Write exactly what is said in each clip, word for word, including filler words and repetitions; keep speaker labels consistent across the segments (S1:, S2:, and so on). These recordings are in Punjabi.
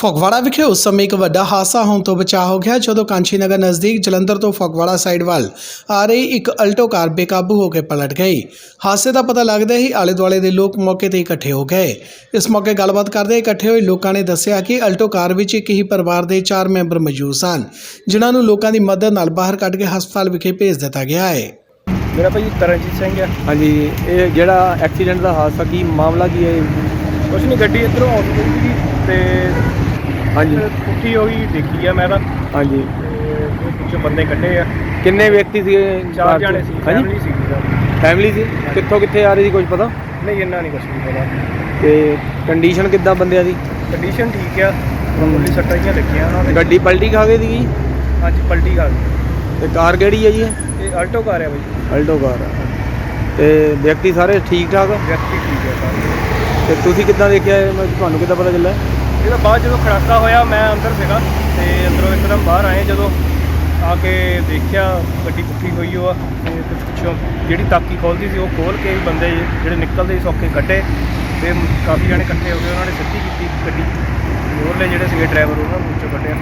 S1: ਫਗਵਾੜਾ ਵਿਖੇ ਉਸ ਸਮੇਂ ਇੱਕ ਵੱਡਾ ਹਾਦਸਾ ਹੋਣ ਤੋਂ ਬਚਾ ਹੋ ਗਿਆ ਜਦੋਂ ਕਾਂਚੀ ਨਗਰ ਨਜ਼ਦੀਕ ਜਲੰਧਰ ਤੋਂ ਫਗਵਾੜਾ ਸਾਈਡ ਵੱਲ ਆ ਰਹੀ ਇੱਕ ਅਲਟੋ ਕਾਰ ਬੇਕਾਬੂ ਹੋ ਕੇ ਪਲਟ ਗਈ। ਹਾਦਸੇ ਦਾ ਪਤਾ ਲੱਗਦੇ ਹੀ ਆਲੇ ਦੁਆਲੇ ਦੇ ਲੋਕ ਮੌਕੇ ਤੇ ਇਕੱਠੇ ਹੋ ਗਏ। ਇਸ ਮੌਕੇ ਗੱਲਬਾਤ ਕਰਦੇ ਇਕੱਠੇ ਹੋਏ ਲੋਕਾਂ ਨੇ ਦੱਸਿਆ ਕਿ ਅਲਟੋ ਕਾਰ ਵਿੱਚ ਇੱਕ ਹੀ ਪਰਿਵਾਰ ਦੇ ਚਾਰ ਮੈਂਬਰ ਮੌਜੂਦ ਸਨ, ਜਿਨ੍ਹਾਂ ਨੂੰ ਲੋਕਾਂ ਦੀ ਮਦਦ ਨਾਲ ਬਾਹਰ ਕੱਢ ਕੇ ਹਸਪਤਾਲ ਵਿਖੇ ਭੇਜ ਦਿੱਤਾ ਗਿਆ ਹੈ।
S2: मेरा भाई तरनजीत सिंह है।
S3: हाँ जी, ये जेड़ा एक्सीडेंट का हादसा की मामला की है?
S2: कुछ नहीं, गड्डी इधरों आउट गई थी ते
S3: हाँ जी
S2: पुट्ठी हो गई देखी है मैं।
S3: हाँ जी,
S2: कुछ बंदे कट्टे आ,
S3: किन्ने व्यक्ति थे?
S2: चार जाने सी,
S3: हाँ
S2: फैमिली
S3: जी,
S2: सी।
S3: फैमिली सी कित्थों कित्थे आ रही थी कुछ पता
S2: नहीं, इन्ना नहीं कुछ नहीं पता।
S3: ते कंडीशन किद्दां बंदियां दी?
S2: कंडीशन ठीक है, मामूली सट्टां ही लगियां उन्हां दे।
S3: गड्डी पलटी खा गई थी?
S2: हाँ जी, पलटी खा गई।
S3: ते कार केड़ी है जी?
S2: ये अल्टो कार है भाई।
S3: अल्टो कार है। ते व्यक्ति सारे ठीक ठाक?
S2: व्यक्ति ठीक है सारे।
S3: ते तुसीं किद्दां देखिआ? मैं तुहानूं किद्दां पता ਚੱਲਿਆ?
S2: ਇਹਦਾ ਬਾਅਦ ਜਦੋਂ ਖੜਾਕਾ ਹੋਇਆ ਮੈਂ ਅੰਦਰ ਸੀਗਾ ਤੇ ਅੰਦਰੋਂ ਇੱਕਦਮ ਬਾਹਰ ਆਏ, ਜਦੋਂ ਆ ਕੇ ਦੇਖਿਆ ਗੱਡੀ ਪੁੱਠੀ ਹੋਈ ਉਹ ਆ ਤੇ ਪਿੱਛੋਂ ਜਿਹੜੀ ਤਾਕੀ ਖੋਲਦੀ ਸੀ ਉਹ ਖੋਲ ਕੇ ਬੰਦੇ ਜਿਹੜੇ ਨਿਕਲਦੇ ਸੀ ਸੌਕੇ ਕੱਢੇ ਤੇ ਕਾਫੀ ਜਣੇ ਇਕੱਠੇ ਹੋ ਗਏ, ਉਹਨਾਂ ਨੇ ਸਿੱਧੀ ਕੀਤੀ ਗੱਡੀ। ਹੋਰਲੇ ਜਿਹੜੇ ਸੀਗੇ ਡਰਾਈਵਰ ਉਹਨਾਂ ਨੂੰ ਵਿੱਚੋਂ ਕੱਢਿਆ।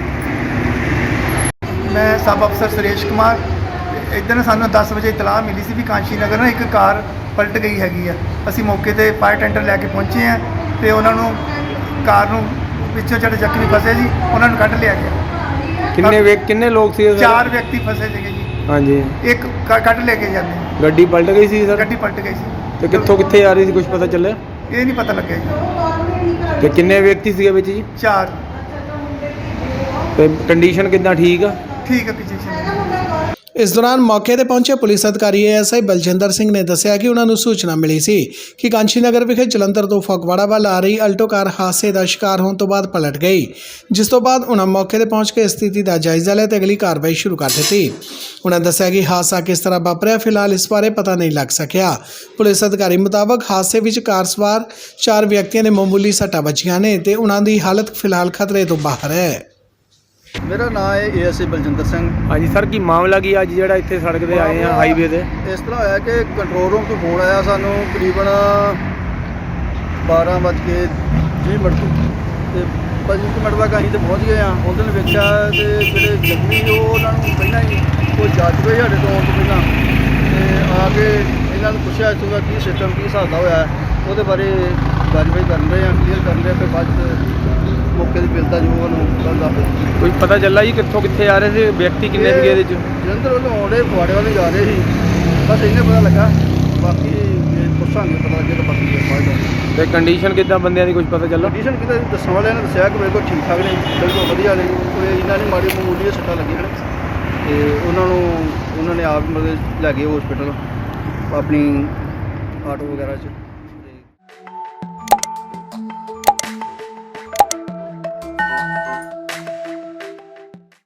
S4: मैं सब अफसर सुरेश कुमार। इधर सानू दस बजे इतलाह मिली सी भी कांशी नगर ना एक कार पलट गई हैगी आ। असी मौके ते फायर टेंडर लैके पहुँचे हैं तो उन्होंने कार नूं पिछों ਜਿਹੜੇ ਜ਼ਖਮੀ फसे जी उन्होंने कढ़ लिया गया।
S3: किन्ने वे किन्ने लोग सी?
S4: चार व्यक्ति फसे थे जी।
S3: हाँ जी,
S4: एक कढ़ लेके जाते।
S3: गड्डी पलट गई सी सर?
S4: गड्डी पलट गई सी।
S3: ते कित्थों कित्थे आ रही थी कुछ पता ਚੱਲਿਆ?
S4: ये नहीं पता लगे जी।
S3: ते किन्ने व्यक्ति ਸੀਗੇ ਵਿੱਚ ਜੀ?
S4: चार।
S3: ਤੇ ਕੰਡੀਸ਼ਨ ਕਿੱਦਾਂ ਠੀਕ ਆ?
S4: ठीक है पोजीशन।
S1: ਇਸ ਦੌਰਾਨ ਮੌਕੇ ਤੇ ਪਹੁੰਚੇ ਪੁਲਿਸ ਅਧਿਕਾਰੀ ਐਸ ਆਈ ਬਲਜਿੰਦਰ ਸਿੰਘ ਨੇ ਦੱਸਿਆ ਕਿ ਉਹਨਾਂ ਨੂੰ ਸੂਚਨਾ ਮਿਲੀ ਸੀ ਕਿ ਕਾਂਚੀ ਨਗਰ ਵਿਖੇ ਜਲੰਧਰ ਤੋਂ ਫਗਵਾੜਾ ਵੱਲ ਆ ਰਹੀ ਅਲਟੋ ਕਾਰ ਹਾਦਸੇ ਦਾ ਸ਼ਿਕਾਰ ਹੋਣ ਤੋਂ ਬਾਅਦ ਪਲਟ ਗਈ, ਜਿਸ ਤੋਂ ਬਾਅਦ ਉਹਨਾਂ ਮੌਕੇ ਤੇ ਪਹੁੰਚ ਕੇ ਸਥਿਤੀ ਦਾ ਜਾਇਜ਼ਾ ਲਿਆ ਤੇ ਅਗਲੀ ਕਾਰਵਾਈ ਸ਼ੁਰੂ ਕਰ ਦਿੱਤੀ। ਉਹਨਾਂ ਦੱਸਿਆ ਕਿ ਹਾਦਸਾ ਕਿਸ ਤਰ੍ਹਾਂ ਵਾਪਰਿਆ ਫਿਲਹਾਲ ਇਸ ਬਾਰੇ ਪਤਾ ਨਹੀਂ ਲੱਗ ਸਕਿਆ। ਪੁਲਿਸ ਅਧਿਕਾਰੀ ਮੁਤਾਬਕ ਹਾਦਸੇ ਵਿੱਚ ਕਾਰ ਸਵਾਰ ਚਾਰ ਵਿਅਕਤੀਆਂ ਦੇ ਮਾਮੂਲੀ ਸੱਟਾਂ ਵੱਜੀਆਂ ਨੇ ਤੇ ਉਹਨਾਂ ਦੀ ਹਾਲਤ ਫਿਲਹਾਲ ਖਤਰੇ ਤੋਂ ਬਾਹਰ ਹੈ।
S5: मेरा नाम है A S I Baljinder Singh.
S3: हाँ जी सर, की मामला की अज ਜਿਹੜਾ ਇੱਥੇ ਸੜਕ ਤੇ ਆਏ ਆ ਹਾਈਵੇ ਤੇ?
S5: ਇਸ ਤਰ੍ਹਾਂ ਹੋਇਆ ਕਿ ਕੰਟਰੋਲ ਰੂਮ ਤੋਂ ਫੋਨ ਆਇਆ ਸਾਨੂੰ ਤਕਰੀਬਨ ਬਾਰਾਂ ਵੱਜ ਕੇ ਵੀਹ ਮਿੰਟ ਤੋਂ ਤੇ ਪੰਜ ਮਿੰਟ ਤੱਕ ਅਸੀਂ ਤੇ ਪਹੁੰਚ ਗਏ ਆ। ਉਹਨਾਂ ਨੇ ਵੇਖਿਆ ਤੇ ਜਿਹੜੇ ਜ਼ਖਮੀ ਉਹ ਉਹਨਾਂ ਨੂੰ ਪਹਿਲਾਂ ਹੀ ਉਹ ਜਾ ਚੁੱਕੇ ਸਾਡੇ ਤੋਂ ਆਉਣ ਤੋਂ ਪਹਿਲਾਂ ਤੇ ਆ ਕੇ ਇਹਨਾਂ ਨੂੰ ਪੁੱਛਿਆ ਇੱਥੋਂ ਦਾ ਕੀ ਸਿਸਟਮ ਕੀ ਹਿਸਾਬ ਦਾ ਹੋਇਆ, ਉਹਦੇ ਬਾਰੇ ਗੱਲਬਾਤ ਕਰਨ ਰਹੇ ਆ, ਕਲੀਅਰ ਕਰਨ ਰਹੇ। ਫਿਰ ਬਾਅਦ 'ਚ ਮੌਕੇ ਦੀ ਬਿਲਦਾ ਜੋ ਉਹਨੂੰ ਗੱਲ ਦੱਸ
S3: ਕੋਈ ਪਤਾ ਚੱਲਾ ਜੀ ਕਿੱਥੋਂ ਕਿੱਥੇ ਆ ਰਹੇ ਸੀ? ਵਿਅਕਤੀ ਕਿੰਨੇ ਸੀਗੇ ਇਹਦੇ 'ਚ?
S5: ਜਲੰਧਰ ਵੱਲੋਂ ਆਉਂਦੇ ਫਗਵਾੜੇ ਵੱਲ ਜਾ ਰਹੇ ਸੀ, ਬਸ ਇੰਨੇ ਪਤਾ ਲੱਗਾ। ਬਾਕੀ ਪੁੱਛਾਂਗੇ ਪਤਾ ਲੱਗੇ ਤਾਂ ਬਾਕੀ ਬਾਅਦ।
S3: ਤੇ ਕੰਡੀਸ਼ਨ ਕਿੱਦਾਂ ਬੰਦਿਆਂ ਦੀ ਕੁਝ ਪਤਾ ਚੱਲਾ?
S5: ਕੰਡੀਸ਼ਨ ਕਿਤੇ ਦੱਸਣ ਵਾਲਿਆਂ ਨੇ ਦੱਸਿਆ ਕਿ ਮੇਰੇ ਕੋਲ ਠੀਕ ਠਾਕ ਨੇ, ਬਿਲਕੁਲ ਵਧੀਆ ਨੇ, ਕੋਈ ਇਹਨਾਂ ਨੇ ਮਾੜੀ ਮਾਮੂਲੀ ਸੱਟਾਂ ਲੱਗੀਆਂ ਨੇ ਤੇ ਉਹਨਾਂ ਨੂੰ ਉਹਨਾਂ ਨੇ ਆਪ ਮਤਲਬ ਲੈ ਗਏ ਹਸਪੀਟਲ ਆਪਣੀ ਆਟੋ ਵਗੈਰਾ 'ਚ।